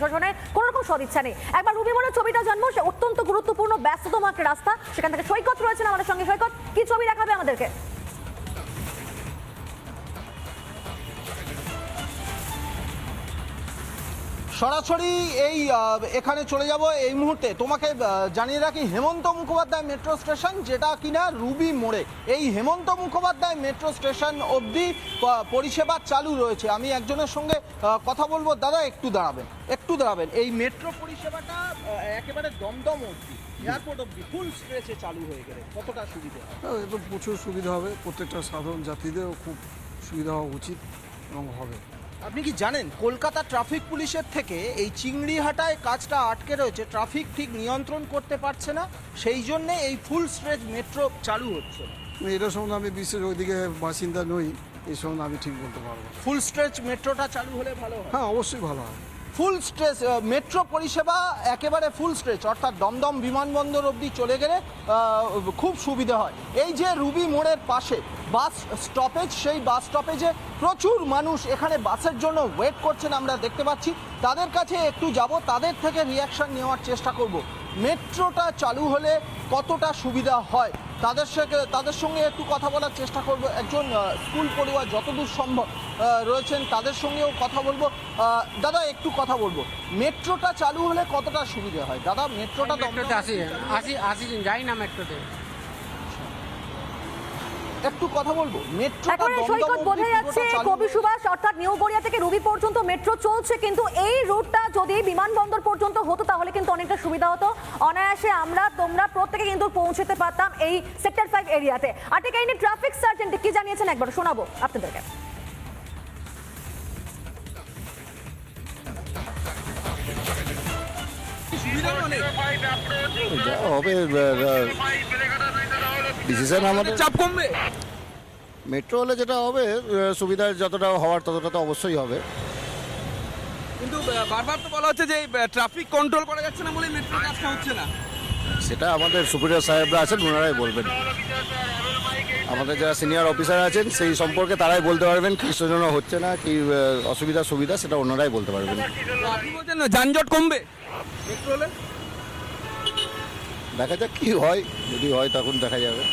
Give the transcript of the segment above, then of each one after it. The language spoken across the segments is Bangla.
প্রশাসনের কোনো রকম সদিচ্ছা নেই। একবার রুবি মোড়ের ছবিটা জানবো, সে অত্যন্ত গুরুত্বপূর্ণ ব্যস্ততম একটা রাস্তা, সেখান থেকে সৈকত রয়েছেন আমাদের সঙ্গে। সৈকত, কি ছবি দেখাবে আমাদেরকে? সরাসরি এই এখানে চলে যাব এই মুহূর্তে। তোমাকে জানিয়ে রাখি, হেমন্ত মুখোপাধ্যায় মেট্রো স্টেশন, যেটা কিনা রুবি মোড়ে, এই হেমন্ত মুখোপাধ্যায় মেট্রো স্টেশন অবধি পরিষেবা চালু রয়েছে। আমি একজনের সঙ্গে কথা বলবো। দাদা একটু দাঁড়াবেন। এই মেট্রো পরিষেবাটা একেবারে দমদম অবধি, এয়ারপোর্ট অবধি ফুল স্ট্রেচে চালু হয়ে গেলে কতটা সুবিধা হয়? তো প্রচুর সুবিধা হবে, প্রত্যেকটা সাধারণ যাত্রীদেরও খুব সুবিধা হওয়া উচিত এবং হবে। আপনি কি জানেন, কলকাতা ট্রাফিক পুলিশের থেকে এই চিংড়িহাটায় কাজটা আটকে রয়েছে, ট্রাফিক ঠিক নিয়ন্ত্রণ করতে পারছে না, সেই জন্যে এই ফুল স্ট্রেচ মেট্রো চালু হচ্ছে না। এটা সম্বন্ধে আমি বিশেষ ওইদিকে বাসিন্দা নই, এই সম্বন্ধে আমি ঠিক বলতে পারবো। ফুল স্ট্রেচ মেট্রোটা চালু হলে ভালো হয়। হ্যাঁ, অবশ্যই ভালো হয়। ফুল স্ট্রেচ মেট্রো পরিষেবা একেবারে ফুল স্ট্রেচ, অর্থাৎ দমদম বিমানবন্দর অবধি চলে গেলে খুব সুবিধা হয়। এই যে রুবি মোড়ের পাশে বাস স্টপেজ, সেই বাস স্টপেজে প্রচুর মানুষ এখানে বাসের জন্য ওয়েট করছেন, আমরা দেখতে পাচ্ছি। তাদের কাছে একটু যাব, তাদের থেকে রিয়াকশন নেওয়ার চেষ্টা করব। মেট্রোটা চালু হলে কতটা সুবিধা হয় তাদের সঙ্গে একটু কথা বলার চেষ্টা করব। একজন স্কুল পড়ুয়া যতদূর সম্ভব রয়েছেন, তাদের সঙ্গেও কথা বলবো। দাদা একটু কথা বলবো, মেট্রোটা চালু হলে কতটা সুবিধা হয়? দাদা মেট্রোটা আসি যাই না মেট্রোতে, একটু কথা বলবো। মেট্রোটা এখন সৈকত বোঝা যাচ্ছে কবি সুভাষ অর্থাৎ নিউ গড়িয়া থেকে রুবি পর্যন্ত মেট্রো চলছে, কিন্তু এই রুটটা যদি বিমানবন্দর পর্যন্ত হতো তাহলে কিন্তু অনেকটা সুবিধা হতো। অনায়াসে তোমরা প্রত্যেকে কিন্তু পৌঁছতে পারতাম এই সেক্টর 5 এরিয়াতে। আর ঠিক এই নিয়ে ট্রাফিক সার্জেন্ট কি জানিয়েছেন একবার শোনাবো আপনাদেরকে। হবে ডিসিশন আমাদের, চাপ কমবে। মেট্রো হলে যেটা হবে, সুবিধা যতটা হওয়ার ততটা তো অবশ্যই হবে। কিন্তু বারবার তো বলা হচ্ছে যে ট্রাফিক কন্ট্রোল করা যাচ্ছে না বলে মেট্রো কাজটা হচ্ছে না। সেটা আমাদের সুপিরিয়র সাহেবরা আছেন, ওনারাই বলবেন। আমাদের যারা সিনিয়র অফিসার আছেন সেই সম্পর্কে তারাই বলতে পারবেন কি জন্য হচ্ছে না, কি অসুবিধা সুবিধা, সেটা ওনারাই বলতে পারবেন। আপনি বলছেন না যানজট কমবে মেট্রো হলে? দেখা যাক কি হয়, যদি হয় তখন দেখা যাবে।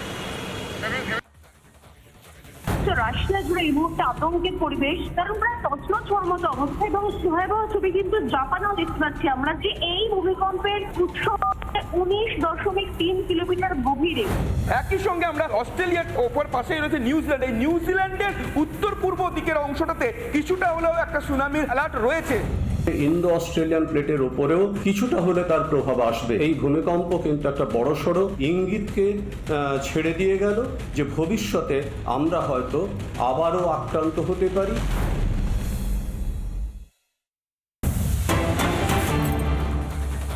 রাশিয়া জুড়ে এই মুহূর্তে আতঙ্কের পরিবেশ, কারণ প্রায় তছনছ হওয়ার মতো অবস্থা। এবং ভয়াবহ ছবি কিন্তু জাপানেও দেখতে পাচ্ছি আমরা, যে এই ভূমিকম্পের উৎস 19.3 কিলোমিটার গভীরে। একই সঙ্গে আমরা অস্ট্রেলিয়ার ওপর পাশেই রয়েছে নিউজিল্যান্ড। এই নিউজিল্যান্ডের উত্তর পূর্ব দিকের অংশটাতে কিছুটা হলেও একটা সুনামির অ্যালার্ট রয়েছে। ইন্দো অস্ট্রেলিয়ান প্লেটের উপরেও কিছুটা হলে তার প্রভাব আসবে। এই ভূমিকম্প কিন্তু একটা বড়সড় ইঙ্গিতকে ছেড়ে দিয়ে গেল যে ভবিষ্যতে আমরা হয়তো আবারও আক্রান্ত হতে পারি।